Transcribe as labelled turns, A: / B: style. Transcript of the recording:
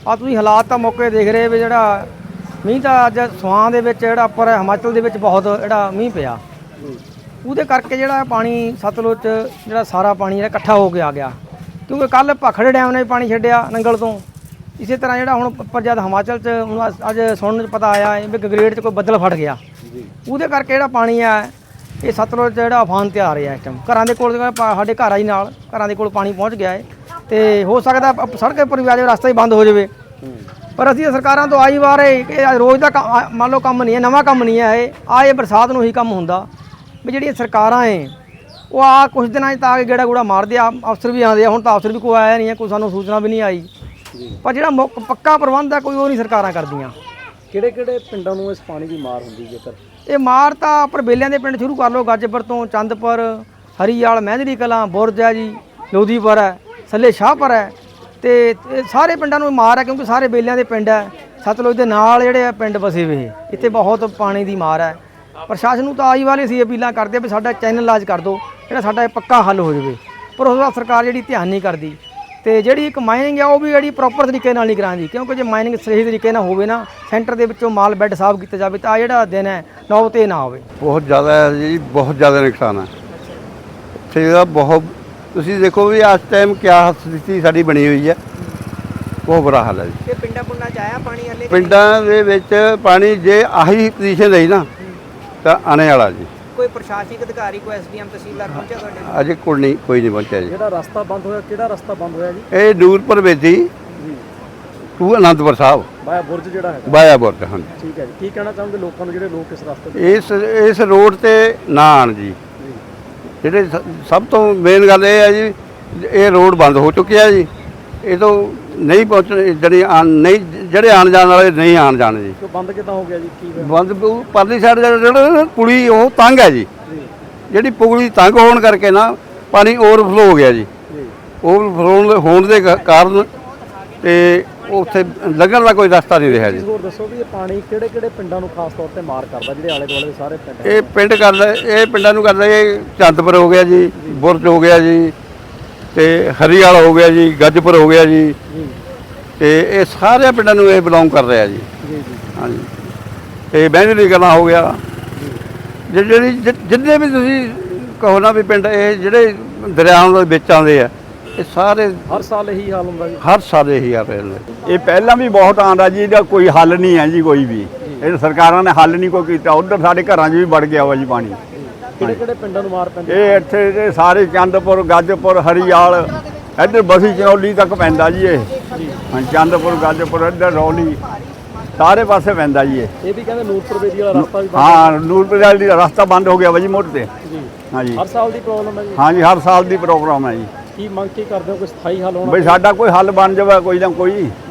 A: ਆ ਤੁਸੀਂ ਹਾਲਾਤ ਤਾਂ ਮੌਕੇ ਦੇਖ ਰਹੇ ਵੀ ਜਿਹੜਾ ਮੀਂਹ ਤਾਂ ਅੱਜ ਸਵਾਂ ਦੇ ਵਿੱਚ ਜਿਹੜਾ ਉੱਪਰ ਹਿਮਾਚਲ ਦੇ ਵਿੱਚ ਬਹੁਤ ਜਿਹੜਾ ਮੀਂਹ ਪਿਆ ਉਹਦੇ ਕਰਕੇ ਜਿਹੜਾ ਪਾਣੀ ਸਤਲੁਜ 'ਚ ਜਿਹੜਾ ਸਾਰਾ ਪਾਣੀ ਜਿਹੜਾ ਇਕੱਠਾ ਹੋ ਕੇ ਆ ਗਿਆ ਕਿਉਂਕਿ ਕੱਲ੍ਹ ਭਾਖੜੇ ਡੈਮ ਨੇ ਪਾਣੀ ਛੱਡਿਆ ਨੰਗਲ ਤੋਂ। ਇਸੇ ਤਰ੍ਹਾਂ ਜਿਹੜਾ ਹੁਣ ਉੱਪਰ ਜਦ ਹਿਮਾਚਲ 'ਚ ਹੁਣ ਅੱਜ ਸੁਣਨ 'ਚ ਪਤਾ ਆਇਆ ਵੀ ਗਗਰੇਟ 'ਚ ਕੋਈ ਬੱਦਲ ਫਟ ਗਿਆ ਉਹਦੇ ਕਰਕੇ ਜਿਹੜਾ ਪਾਣੀ ਆ ਇਹ ਸਤਲੁਜ 'ਚ ਜਿਹੜਾ ਉਫਾਨ ਤੇ ਆ ਰਿਹਾ ਇਸ ਟਾਈਮ। ਘਰਾਂ ਦੇ ਕੋਲ ਸਾਡੇ ਘਰ ਆ ਜੀ ਨਾਲ ਘਰਾਂ ਦੇ ਕੋਲ ਪਾਣੀ ਪਹੁੰਚ ਗਿਆ ਹੈ ਤੇ ਹੋ ਸਕਦਾ ਸੜਕ ਉੱਪਰ ਵੀ ਆ ਜਾਵੇ ਰਸਤਾ ਹੀ ਬੰਦ ਹੋ ਜਾਵੇ। ਪਰ ਅਸੀਂ ਸਰਕਾਰਾਂ ਤੋਂ ਆਈ ਵਾਰ ਇਹ ਰੋਜ਼ ਦਾ ਮੰਨ ਲਓ ਕੰਮ ਨਹੀਂ ਹੈ, ਨਵਾਂ ਕੰਮ ਨਹੀਂ ਹੈ ਇਹ ਬਰਸਾਤ ਨੂੰ ਹੀ ਕੰਮ ਹੁੰਦਾ ਵੀ ਜਿਹੜੀਆਂ ਸਰਕਾਰਾਂ ਹੈ ਉਹ ਆ ਕੁਛ ਦਿਨਾਂ 'ਚ ਤਾਂ ਆ ਕੇ ਗੇੜਾ ਗੂੜਾ ਮਾਰਦੇ ਆ। ਅਫਸਰ ਵੀ ਆਉਂਦੇ ਆ, ਹੁਣ ਤਾਂ ਅਫਸਰ ਵੀ ਕੋਈ ਆਇਆ ਨਹੀਂ ਹੈ, ਕੋਈ ਸਾਨੂੰ ਸੂਚਨਾ ਵੀ ਨਹੀਂ ਆਈ। ਪਰ ਜਿਹੜਾ ਪੱਕਾ ਪ੍ਰਬੰਧ ਆ ਕੋਈ ਉਹ ਨਹੀਂ ਸਰਕਾਰਾਂ ਕਰਦੀਆਂ।
B: ਕਿਹੜੇ ਕਿਹੜੇ ਪਿੰਡਾਂ ਨੂੰ ਇਸ ਪਾਣੀ ਦੀ ਮਾਰ ਹੁੰਦੀ ਜੇਕਰ? ਇਹ
A: ਮਾਰ ਤਾਂ ਉੱਪਰ ਬੇਲਿਆਂ ਦੇ ਪਿੰਡ ਸ਼ੁਰੂ ਕਰ ਲਓ, ਗੱਜਪੁਰ ਤੋਂ ਚੰਦਪੁਰ, ਹਰੀਵਾਲ, ਮਹਿੰਦਰੀ ਕਲਾਂ, ਬੁਰਜ ਹੈ ਜੀ, ਲੋਧੀਪੁਰ ਹੈ, ਸੱਲੇ ਸ਼ਾਹਪੁਰ ਹੈ ਤੇ ਸਾਰੇ ਪਿੰਡਾਂ ਨੂੰ ਮਾਰ ਹੈ ਕਿਉਂਕਿ ਸਾਰੇ ਬੇਲਿਆਂ ਦੇ ਪਿੰਡ ਹੈ। ਸਤਲੁਜ ਦੇ ਨਾਲ ਜਿਹੜੇ ਪਿੰਡ ਵਸੇ ਵੇ ਇੱਥੇ ਬਹੁਤ ਪਾਣੀ ਦੀ ਮਾਰ ਹੈ। ਪ੍ਰਸ਼ਾਸਨ ਨੂੰ ਤਾਂ ਆਈ ਵਾਲੇ ਸੀ ਅਪੀਲਾਂ ਕਰਦੇ ਵੀ ਸਾਡਾ ਚੈਨਲ ਲਾਜ ਕਰ ਦਿਓ ਜਿਹੜਾ ਸਾਡਾ ਇਹ ਪੱਕਾ ਹੱਲ ਹੋ ਜਾਵੇ, ਪਰ ਉਸ ਦਾ ਸਰਕਾਰ ਜਿਹੜੀ ਧਿਆਨ ਨਹੀਂ ਕਰਦੀ। ਤੇ ਜਿਹੜੀ ਇੱਕ ਮਾਈਨਿੰਗ ਆ ਉਹ ਵੀ ਜਿਹੜੀ ਪ੍ਰੋਪਰ ਤਰੀਕੇ ਨਾਲ ਨਹੀਂ ਕਰਾਂਦੀ ਕਿਉਂਕਿ ਜੇ ਮਾਈਨਿੰਗ ਸਹੀ ਤਰੀਕੇ ਨਾਲ ਹੋਵੇ ਨਾ ਸੈਂਟਰ ਦੇ ਵਿੱਚੋਂ ਮਾਲ ਬੈੱਡ ਸਾਫ਼ ਕੀਤਾ ਜਾਵੇ ਤਾਂ ਜਿਹੜਾ ਦਿਨ ਹੈ ਨੌ ਤੇ ਨਾ ਹੋਵੇ।
C: ਬਹੁਤ ਜ਼ਿਆਦਾ ਹੈ ਜੀ, ਬਹੁਤ ਜ਼ਿਆਦਾ ਨੁਕਸਾਨ ਹੈ ਇੱਥੇ ਦਾ ਬਹੁਤ। ਤੁਸੀਂ ਦੇਖੋ ਵੀ ਇਸ ਟਾਈਮ ਕਿਆ ਸਥਿਤੀ ਸਾਡੀ ਬਣੀ ਹੋਈ ਹੈ, ਬਹੁਤ ਬੁਰਾ ਹਾਲ ਹੈ ਜੀ।
A: ਪਿੰਡਾਂ ਪੁੰਡਾਂ 'ਚ ਆਇਆ ਪਾਣੀ ਹਲੇ?
C: ਪਿੰਡਾਂ ਦੇ ਵਿੱਚ ਪਾਣੀ ਜੇ ਆਹੀ ਪੋਜੀਸ਼ਨ ਰਹੀ ਨਾ ਤਾਂ ਆਣੇ ਵਾਲਾ ਜੀ।
A: ਕੋਈ ਪ੍ਰਸ਼ਾਸਨਿਕ ਅਧਿਕਾਰੀ ਕੋਈ ਐਸਡੀਐਮ ਤਹਿਸੀਲਦਾਰ ਪਹੁੰਚਿਆ ਤੁਹਾਡੇ?
C: ਅਜੇ ਕੋਈ ਨਹੀਂ ਪਹੁੰਚਿਆ ਜੀ।
B: ਜਿਹੜਾ ਰਸਤਾ ਬੰਦ ਹੋਇਆ ਕਿਹੜਾ ਰਸਤਾ ਬੰਦ ਹੋਇਆ ਜੀ?
C: ਇਹ ਨੂਰਪੁਰ ਵੇਦੀ ਟੂ ਅਨੰਦਪੁਰ ਸਾਹਿਬ
B: ਬਾਇਆ ਬੁਰਜ ਜਿਹੜਾ ਹੈ।
C: ਬਾਇਆ ਬੁਰਜ, ਹਾਂਜੀ।
B: ਠੀਕ ਹੈ ਜੀ। ਕੀ ਕਹਿਣਾ ਚਾਹੋਗੇ ਲੋਕਾਂ ਨੂੰ ਜਿਹੜੇ ਲੋਕ ਇਸ ਰਸਤੇ ਤੇ
C: ਇਸ ਰੋਡ ਤੇ ਨਾ ਆਉਣ ਜੀ। ਜਿਹੜੇ ਸਭ ਤੋਂ ਮੇਨ ਗੱਲ ਇਹ ਹੈ ਜੀ ਇਹ ਰੋਡ ਬੰਦ ਹੋ ਚੁੱਕਿਆ ਜੀ। ਇਹ ਤੋਂ ਨਹੀਂ ਪਹੁੰਚਣ ਜਿਹੜੇ ਆਉਣ ਜਾਣ ਵਾਲੇ ਨਹੀਂ ਆਉਣ ਜਾਣ ਜੀ।
B: ਬੰਦ ਕਿੱਦਾਂ ਹੋ ਗਿਆ ਜੀ? ਕੀ
C: ਬੰਦ ਪਰਲੀ ਸਾਈਡ ਜਿਹੜਾ ਪੁਲੀ ਉਹ ਤੰਗ ਹੈ ਜੀ। ਜਿਹੜੀ ਪੁਲੀ ਤੰਗ ਹੋਣ ਕਰਕੇ ਨਾ ਪਾਣੀ ਓਵਰਫਲੋ ਹੋ ਗਿਆ ਜੀ। ਓਵਰਫਲੋ ਹੋਣ ਦੇ ਕਾਰਨ ਤੇ ਉੱਥੇ ਲੱਗਣ ਦਾ ਕੋਈ ਰਸਤਾ ਨਹੀਂ ਰਿਹਾ ਜੀ।
B: ਹੋਰ ਦੱਸੋ ਵੀ ਇਹ ਪਾਣੀ ਕਿਹੜੇ ਕਿਹੜੇ ਪਿੰਡਾਂ ਨੂੰ ਖਾਸ ਤੌਰ ਤੇ ਮਾਰ ਕਰਦਾ ਜਿਹੜੇ ਆਲੇ ਦੁਆਲੇ ਦੇ ਸਾਰੇ ਪਿੰਡ?
C: ਇਹ ਪਿੰਡਾਂ ਨੂੰ ਕਰਦਾ ਇਹ ਚੰਦਪੁਰ ਹੋ ਗਿਆ ਜੀ, ਬੁਰਜ ਹੋ ਗਿਆ ਜੀ ਤੇ ਹਰੀਵਾਲ ਹੋ ਗਿਆ ਜੀ, ਗੱਜਪੁਰ ਹੋ ਗਿਆ ਜੀ ਤੇ ਇਹ ਸਾਰੇ ਪਿੰਡਾਂ ਨੂੰ ਇਹ ਬਿਲੋਂਗ ਕਰ ਰਿਹਾ ਜੀ। ਹਾਂਜੀ। ਤੇ ਮਹਿੰਦਰੀ ਕਲਾਂ ਹੋ ਗਿਆ। ਜਿੰਨੇ ਵੀ ਤੁਸੀਂ ਕਹੋ ਨਾ ਵੀ ਪਿੰਡ ਇਹ ਜਿਹੜੇ ਦਰਿਆਵਾਂ ਦੇ ਵਿੱਚ ਆਉਂਦੇ ਆ ਇਹ ਸਾਰੇ
B: ਹਰ ਸਾਲ ਇਹੀ ਹਾਲ ਹੁੰਦਾ ਜੀ?
C: ਹਰ ਸਾਲ ਇਹੀ ਹਾਲ ਰਹਿੰਦਾ।
D: ਇਹ ਪਹਿਲਾਂ ਵੀ ਬਹੁਤ ਆਉਂਦਾ ਜੀ, ਇਹਦਾ ਕੋਈ ਹੱਲ ਨਹੀਂ ਹੈ ਜੀ ਕੋਈ ਵੀ। ਇਹ ਸਰਕਾਰਾਂ ਨੇ ਹੱਲ ਨਹੀਂ ਕੋਈ ਕੀਤਾ। ਉਧਰ ਸਾਡੇ ਘਰਾਂ 'ਚ ਵੀ ਵੜ ਗਿਆ ਵਾ ਜੀ ਪਾਣੀ।
B: ਕਿਹੜੇ ਕਿਹੜੇ ਪਿੰਡਾਂ ਨੂੰ ਮਾਰ ਪੈਂਦੀ?
D: ਇਹ ਇੱਥੇ ਦੇ ਸਾਰੇ ਚੰਦਪੁਰ, ਗੱਜਪੁਰ, ਹਰੀਵਾਲ, ਇੱਧਰ ਬਸੀ ਚਨੌਲੀ ਤੱਕ ਪੈਂਦਾ ਜੀ ਇਹ। ਹਾਂ, ਚੰਦਪੁਰ, ਗੱਜਪੁਰ, ਇੱਧਰ ਰੌਲੀ ਸਾਰੇ ਪਾਸੇ ਪੈਂਦਾ ਜੀ ਇਹ।
B: ਇਹ ਵੀ ਕਹਿੰਦੇ ਨੂਰਪੁਰ ਵੇਦੀ ਵਾਲਾ ਰਸਤਾ ਵੀ
D: ਹਾਂ, ਨੂਰਪੁਰ ਵਾਲੀ ਦਾ ਰਸਤਾ ਬੰਦ ਹੋ ਗਿਆ ਵਾ ਜੀ ਮੋੜ ਤੇ। ਹਾਂਜੀ।
B: ਹਰ ਸਾਲ ਦੀ ਪ੍ਰੋਬਲਮ ਹੈ ਜੀ?
D: ਹਾਂਜੀ, ਹਰ ਸਾਲ ਦੀ ਪ੍ਰੋਬਲਮ ਹੈ ਜੀ।
B: ਕੀ ਮੰਗ ਕੀ ਕਰਦੇ ਹੋ ਕੋਈ ਸਥਾਈ ਹੱਲ ਹੋਣਾ?
D: ਬਈ ਸਾਡਾ ਕੋਈ ਹੱਲ ਬਣ ਜਾਵੇ ਕੋਈ ਨਾ ਕੋਈ।